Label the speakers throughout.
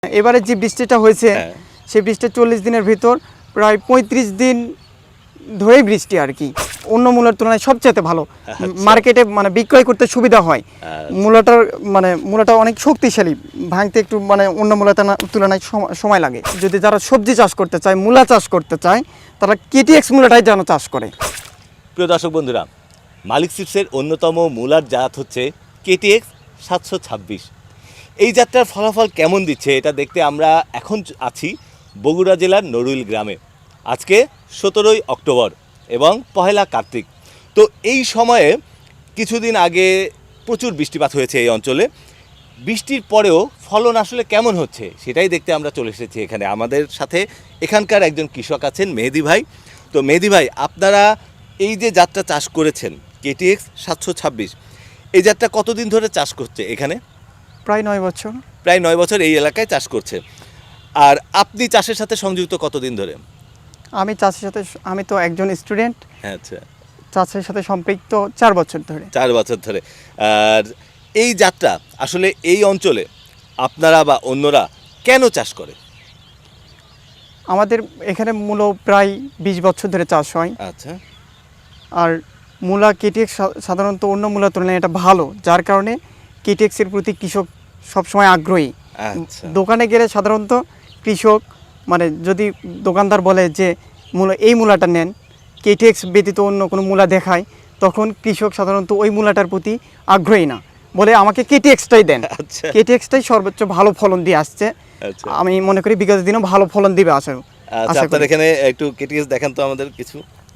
Speaker 1: এবারে যে বৃষ্টিটা হয়েছে সেই বৃষ্টি 40 দিনের ভিতর প্রায় 35 দিন ধরেই বৃষ্টি আর কি অন্য মূলার তুলনায় সবচেয়ে ভালো মার্কেটে মানে বিক্রয় করতে সুবিধা হয়। মূলাটা অনেক শক্তিশালী, ভাঙতে একটু মানে অন্য মূলার তুলনায় সময় লাগে। যদি যারা সবজি চাষ করতে চায়, মূলা চাষ করতে চায়, তারা কেটিএক্স মূলাটাই যেন চাষ করে।
Speaker 2: প্রিয় দর্শক বন্ধুরা, মালিক সিডসের অন্যতম মূলার জাত হচ্ছে কেটিএক্স 726। এই জাতটার ফলাফল কেমন দিচ্ছে এটা দেখতে আমরা এখন আছি বগুড়া জেলার নড়ুইল গ্রামে। আজকে 17ই অক্টোবর এবং 1 কার্তিক। তো এই সময়ে কিছুদিন আগে প্রচুর বৃষ্টিপাত হয়েছে এই অঞ্চলে। বৃষ্টির পরেও ফলন আসলে কেমন হচ্ছে সেটাই দেখতে আমরা চলে এসেছি এখানে। আমাদের সাথে এখানকার একজন কৃষক আছেন, মেহেদি ভাই। তো মেহেদি ভাই, আপনারা এই যে জাতটা চাষ করেছেন কেটিএক্স 726, এই জাতটা কতদিন ধরে চাষ করছে এখানে?
Speaker 1: প্রায় 9 বছর।
Speaker 2: প্রায় 9 বছর এই এলাকায় চাষ করছে। আর আপনি চাষের সাথে সংযুক্ত কতদিন ধরে?
Speaker 1: আমি তো একজন স্টুডেন্ট।
Speaker 2: আচ্ছা,
Speaker 1: চাষের সাথে সম্পৃক্ত 4 বছর ধরে।
Speaker 2: 4 বছর ধরে। আর এই জাতটা আসলে এই অঞ্চলে আপনারা বা অন্যরা কেন চাষ করে?
Speaker 1: আমাদের এখানে মূলো প্রায় 20 বছর ধরে চাষ হয়।
Speaker 2: আচ্ছা।
Speaker 1: আর মূলা কেটিএক্স সাধারণত অন্য মূলার তুলনায় এটা ভালো, যার কারণে কেটিএক্সের প্রতি কৃষক সবসময় আগ্রহী।
Speaker 2: আচ্ছা।
Speaker 1: দোকানে গেলে সাধারণত কৃষক মানে যদি দোকানদার বলে যে এই মূলাটা নেন, কেটিএক্স ব্যতীত অন্য কোনো মূলা দেখায়, তখন কৃষক সাধারণত ওই মূলাটার প্রতি আগ্রহী না, বলে আমাকে কেটিএক্সটাই দেন।
Speaker 2: আচ্ছা।
Speaker 1: কেটিএক্সটাই সর্বোচ্চ ভালো ফলন দিয়ে আসছে।
Speaker 2: আচ্ছা।
Speaker 1: আমি মনে করি বিগত দিনও ভালো ফলন দিবে
Speaker 2: আচ্ছা, আপনার এখানে একটু কেটিএক্স দেখান তো আমাদের কিছু।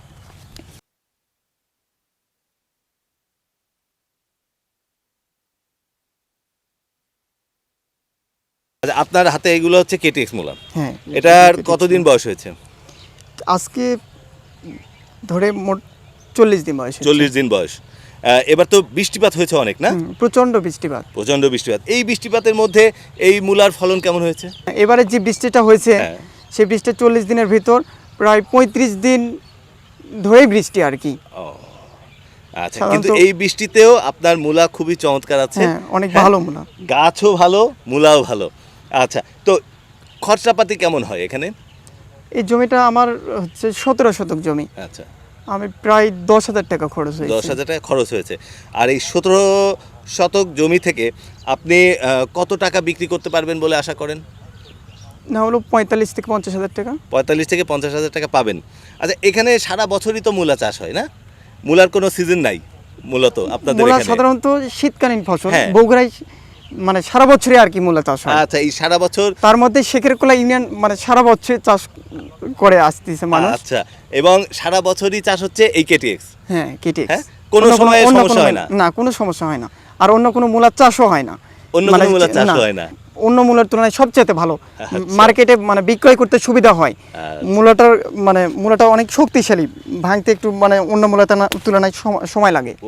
Speaker 2: আচ্ছা, আপনার হাতে এগুলো হচ্ছে কেটিএক্স মূলা।
Speaker 1: হ্যাঁ।
Speaker 2: এটার কতদিন বয়স হয়েছে?
Speaker 1: আজকে ধরে মোট 40 দিন বয়স।
Speaker 2: 40 দিন বয়স। এবার তো বৃষ্টিপাত হয়েছে অনেক, না?
Speaker 1: প্রচণ্ড বৃষ্টিপাত।
Speaker 2: প্রচণ্ড বৃষ্টিপাত। এই বৃষ্টিপাতের মধ্যে এই মূলার ফলন কেমন হয়েছে?
Speaker 1: এবারে যে বৃষ্টিটা হয়েছে সেই বৃষ্টি 40 দিনের ভিতর প্রায় 35 দিন ধরেই বৃষ্টি আর কি।
Speaker 2: আচ্ছা, কিন্তু এই বৃষ্টিতেও আপনার মূলা খুবই চমৎকার আছে।
Speaker 1: অনেক ভালো মূলা,
Speaker 2: গাছও ভালো, মূলাও ভালো। আচ্ছা, তো খরচাপাতি কেমন হয় এখানে?
Speaker 1: এই জমিটা আমার হচ্ছে 17 শতক জমি।
Speaker 2: আচ্ছা।
Speaker 1: আমি প্রায় 10,000 টাকা খরচ হয়েছে।
Speaker 2: 10,000 টাকা খরচ হয়েছে। আর এই 17 শতক জমি থেকে আপনি কত টাকা বিক্রি করতে পারবেন বলে আশা করেন?
Speaker 1: না হলো 45 থেকে 50,000 টাকা।
Speaker 2: 45 থেকে 50,000 টাকা পাবেন। আচ্ছা, এখানে সারা বছরই তো মূলা চাষ হয়, না? মূলার কোনো সিজন নাই মূলত আপনাদের এখানে?
Speaker 1: মূলা সাধারণত শীতকালীন ফসল। বগুড়ায় মানে সারা বছরই আর কি মূলা চাষ হয়।
Speaker 2: আচ্ছা, এই সারা বছর
Speaker 1: তার মধ্যে শেখেরকোলা ইউনিয়ন মানে সারা বছর চাষ করে আসতেছে মানুষ।
Speaker 2: আচ্ছা, এবং সারা বছরই চাষ হচ্ছে এই কেটিএক্স।
Speaker 1: হ্যাঁ, কেটিএক্স।
Speaker 2: কোনো সময় সমস্যা হয় না?
Speaker 1: না, কোনো সমস্যা হয় না। আর অন্য কোনো মূলার চাষও হয় না।
Speaker 2: অন্য কোনো মূলার চাষ হয় না?
Speaker 1: অন্য মূলার তুলনায় সবচেয়ে ভালো মার্কেটে মানে বিক্রয় করতে সুবিধা হয়। মূলাটা অনেক শক্তিশালী, ভাঙতে একটু মানে অন্য মূলার তুলনায় সময় লাগে।
Speaker 2: ও,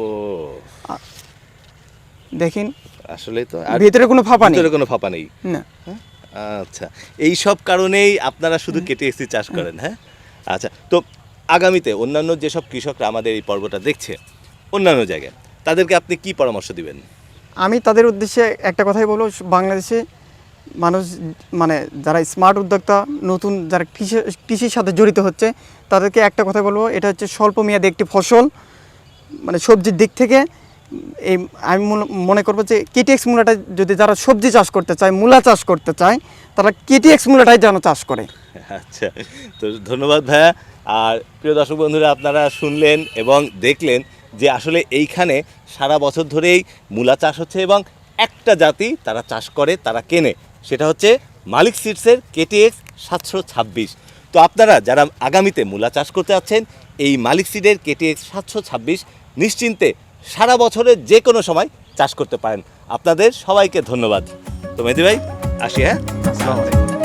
Speaker 1: দেখেন
Speaker 2: আসলে তো
Speaker 1: ভিতরে কোনো ফাঁপা নেই।
Speaker 2: ভিতরে কোনো ফাঁপা নেই
Speaker 1: না।
Speaker 2: আচ্ছা, এই সব কারণেই আপনারা শুধু কেটিএক্স চাষ করেন? হ্যাঁ। আচ্ছা, তো আগামীতে অন্যান্য যেসব কৃষকরা আমাদের এই পর্বটা দেখছে অন্যান্য জায়গায়, তাদেরকে আপনি কি পরামর্শ দিবেন?
Speaker 1: আমি তাদের উদ্দেশ্যে একটা কথাই বলবো, বাংলাদেশে মানুষ মানে যারা স্মার্ট উদ্যোক্তা, নতুন যারা কৃষির সাথে জড়িত হচ্ছে, তাদেরকে একটা কথা বলবো, এটা হচ্ছে স্বল্প মেয়াদী একটি ফসল। মানে সবজির দিক থেকে আমি মনে করবো যে কেটিএক্স মূলাটা যদি যারা সবজি চাষ করতে চায়, মূলা চাষ করতে চায়, তারা কেটিএক্স মূলাটাই যেন চাষ করে।
Speaker 2: আচ্ছা, তো ধন্যবাদ ভাইয়া। আর প্রিয় দর্শক বন্ধুরা, আপনারা শুনলেন এবং দেখলেন যে আসলে এইখানে সারা বছর ধরেই মূলা চাষ হচ্ছে এবং একটা জাতি তারা চাষ করে, তারা কেনে, সেটা হচ্ছে মালিক সিডসের কেটিএক্স 726। তো আপনারা যারা আগামীতে মূলা চাষ করতে যাচ্ছেন, এই মালিক সিডের কেটিএক্স 726 নিশ্চিন্তে সারা বছরের যে কোনো সময় চাষ করতে পারেন। আপনাদের সবাইকে ধন্যবাদ। তো মেহেদি ভাই, আসি। হ্যাঁ,
Speaker 1: আসসালামু আলাইকুম।